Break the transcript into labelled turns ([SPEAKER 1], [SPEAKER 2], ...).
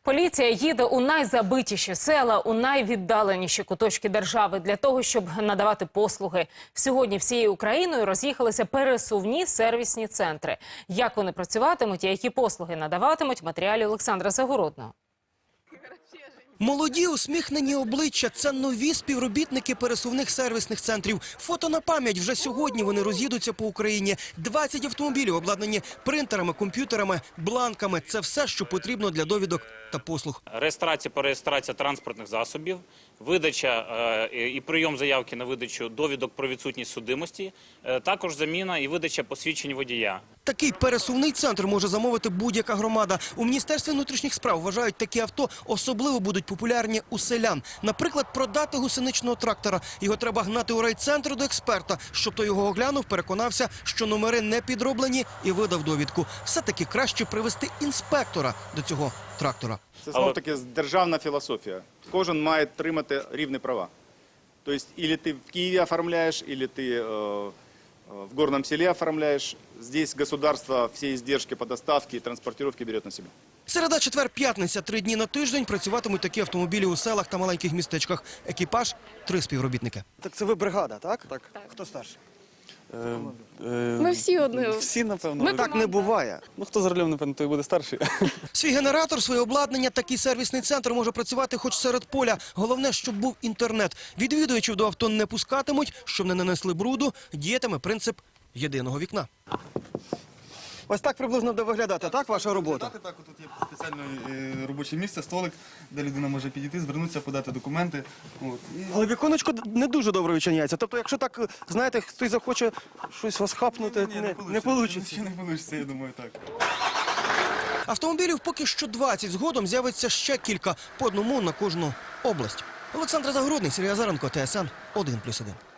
[SPEAKER 1] Поліція їде у найзабитіші села, у найвіддаленіші куточки держави для того, щоб надавати послуги. Сьогодні всією Україною роз'їхалися пересувні сервісні центри. Як вони працюватимуть і які послуги надаватимуть – в матеріалі Олександра Загородного.
[SPEAKER 2] Молоді, усміхнені обличчя – це нові співробітники пересувних сервісних центрів. Фото на пам'ять, вже сьогодні вони роз'їдуться по Україні. 20 автомобілів обладнані принтерами, комп'ютерами, бланками. Це все, що потрібно для довідок та послуг.
[SPEAKER 3] Реєстрація транспортних засобів, видача і прийом заявки на видачу довідок про відсутність судимості, також заміна і видача посвідчень водія.
[SPEAKER 2] Такий пересувний центр може замовити будь-яка громада. У Міністерстві внутрішніх справ вважають, такі авто особливо будуть популярні у селян. Наприклад, продати гусеничного трактора. Його треба гнати у райцентр до експерта, щоб той його оглянув, переконався, що номери не підроблені і видав довідку. Все-таки краще привести інспектора до цього трактора.
[SPEAKER 4] Це знов-таки державна філософія. Кожен має отримати рівні права. Тобто, або ти в Києві оформляєш, або ти в горном селе оформляешь. Здесь государство все издержки по доставке и транспортировке берет на себя.
[SPEAKER 2] Середа, четвер, п'ятниця. 3 дні на тиждень працюватимуть такі автомобілі у селах та маленьких містечках. Екіпаж – 3 співробітники.
[SPEAKER 5] Так це ви бригада, так? Так. Хто старший?
[SPEAKER 6] Ми всі одне.
[SPEAKER 7] Всі, напевно.
[SPEAKER 5] Так не буває.
[SPEAKER 7] Ну, хто за рулем, напевно, той буде старший.
[SPEAKER 2] Свій генератор, своє обладнання, такий сервісний центр може працювати хоч серед поля. Головне, щоб був інтернет. Відвідувачів до авто не пускатимуть, щоб не нанесли бруду. Діятиме принцип єдиного вікна.
[SPEAKER 5] Ось так приблизно буде виглядати, так, ваша робота?
[SPEAKER 8] Так, тут є спеціальне робоче місце, столик, де людина може підійти, звернутися, подати документи.
[SPEAKER 5] Але віконечко не дуже добре відчиняється. Тобто, якщо так, знаєте, хтось захоче щось вас хапнути, не вийде.
[SPEAKER 8] Не вийде, я думаю, так.
[SPEAKER 2] Автомобілів поки що 20. Згодом з'явиться ще кілька. По одному на кожну область. Олександр Загородний, Сергій Азаренко, ТСН 1+1.